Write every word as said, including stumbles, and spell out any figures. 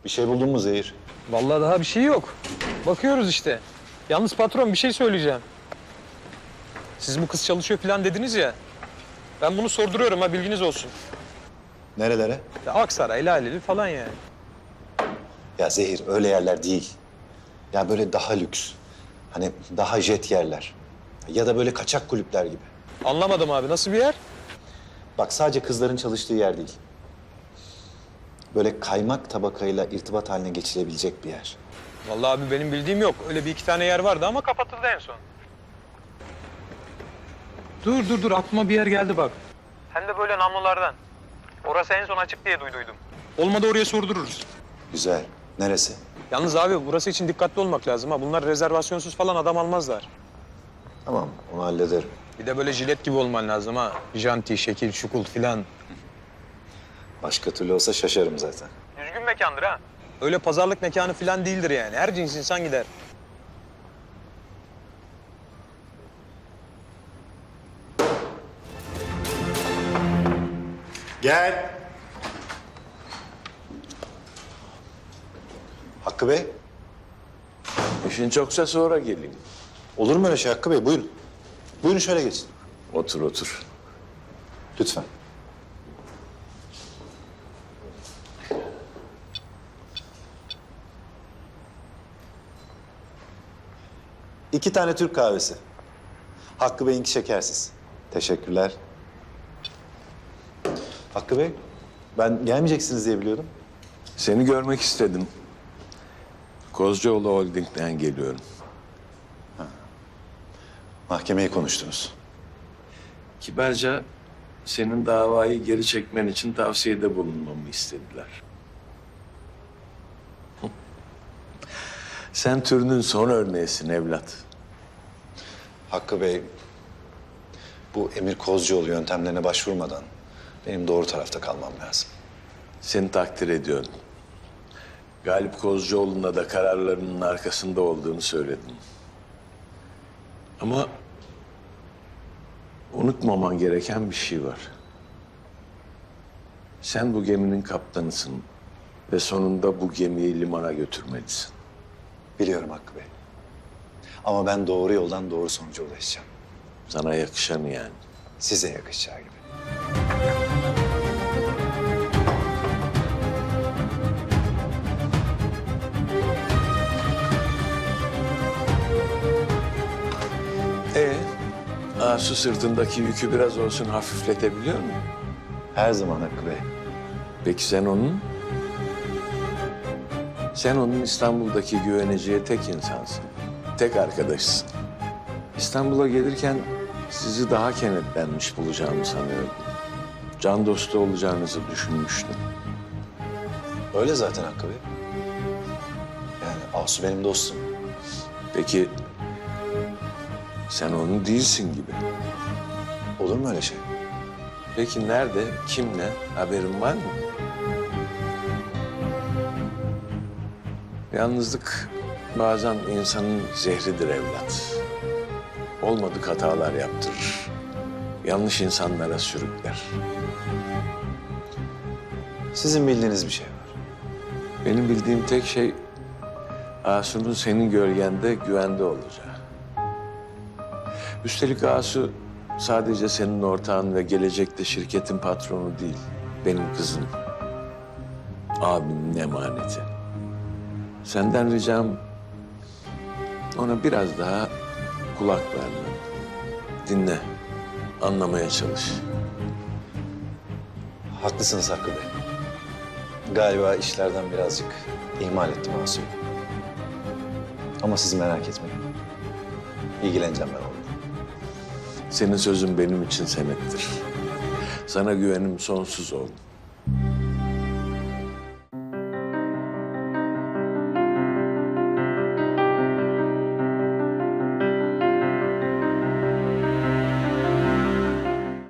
Bir şey buldun mu Zehir? Vallahi daha bir şey yok. Bakıyoruz işte. Yalnız patron bir şey söyleyeceğim. Siz bu kız çalışıyor falan dediniz ya. Ben bunu sorduruyorum ha, bilginiz olsun. Nerelere? Ya Aksaray, Laleli falan yani. Ya Zehir öyle yerler değil. Ya böyle daha lüks. Hani daha jet yerler. Ya da böyle kaçak kulüpler gibi. Anlamadım abi, nasıl bir yer? Bak sadece kızların çalıştığı yer değil. Böyle kaymak tabakayla irtibat haline geçilebilecek bir yer. Vallahi abi benim bildiğim yok. Öyle bir iki tane yer vardı ama kapatıldı en son. Dur dur dur, aklıma bir yer geldi bak. Hem de böyle namlulardan. Orası en son açık diye duyduydum. Olmadı oraya sordururuz. Güzel. Neresi? Yalnız abi burası için dikkatli olmak lazım ha. Bunlar rezervasyonsuz falan adam almazlar. Tamam, onu hallederim. Bir de böyle jilet gibi olman lazım ha. Janti, şekil, şukul filan. Başka türlü olsa şaşarım zaten. Düzgün mekandır ha. Öyle pazarlık mekanı filan değildir yani. Her cins insan gider. Gel. Hakkı Bey. İşin çoksa sonra geleyim. Olur mu öyle şey Hakkı Bey? Buyurun. Buyurun şöyle geçin. Otur otur. Lütfen. İki tane Türk kahvesi. Hakkı Bey'inki şekersiz. Teşekkürler. Hakkı Bey, ben gelmeyeceksiniz diye biliyordum. Seni görmek istedim. Kozcuoğlu Holding'den geliyorum. Mahkemeyi konuştunuz. Kibarca senin davayı geri çekmen için tavsiyede bulunmamı istediler. Sen türünün son örneğisin evlat. Hakkı Bey, bu Emir Kozcuoğlu yöntemlerine başvurmadan benim doğru tarafta kalmam lazım. Seni takdir ediyorum. Galip Kozcuoğlu'na da kararlarının arkasında olduğunu söyledim. Ama unutmaman gereken bir şey var. Sen bu geminin kaptanısın ve sonunda bu gemiyi limana götürmelisin. Biliyorum Hakkı Bey. Ama ben doğru yoldan doğru sonuca ulaşacağım. Sana yakışanı yani. Size yakışacağı gibi. Ee, Asu sırtındaki yükü biraz olsun hafifletebiliyor mu? Her zaman Hakkı Bey. Peki sen onun? Sen onun İstanbul'daki güveneceği tek insansın. Tek arkadaşsın. İstanbul'a gelirken sizi daha kenetlenmiş bulacağımı sanıyordum. Can dostu olacağınızı düşünmüştüm. Öyle zaten Hakkı Bey. Yani Asu benim dostum. Peki sen onun değilsin gibi. Olur mu öyle şey? Peki nerede, kimle, haberin var mı? Yalnızlık bazen insanın zehridir evlat. Olmadık hatalar yaptırır. Yanlış insanlara sürükler. Sizin bildiğiniz bir şey var. Benim bildiğim tek şey Asu'nun senin gölgende güvende olacağı. Üstelik Asu sadece senin ortağın ve gelecekte şirketin patronu değil. Benim kızım. Abimin emaneti. Senden ricam ona biraz daha kulak vermen. Dinle, anlamaya çalış. Haklısınız Hakkı Bey. Galiba işlerden birazcık ihmal ettim Asu'yu. Ama siz merak etmeyin. İlgileneceğim ben onunla. Senin sözün benim için senettir. Sana güvenim sonsuz oğlum.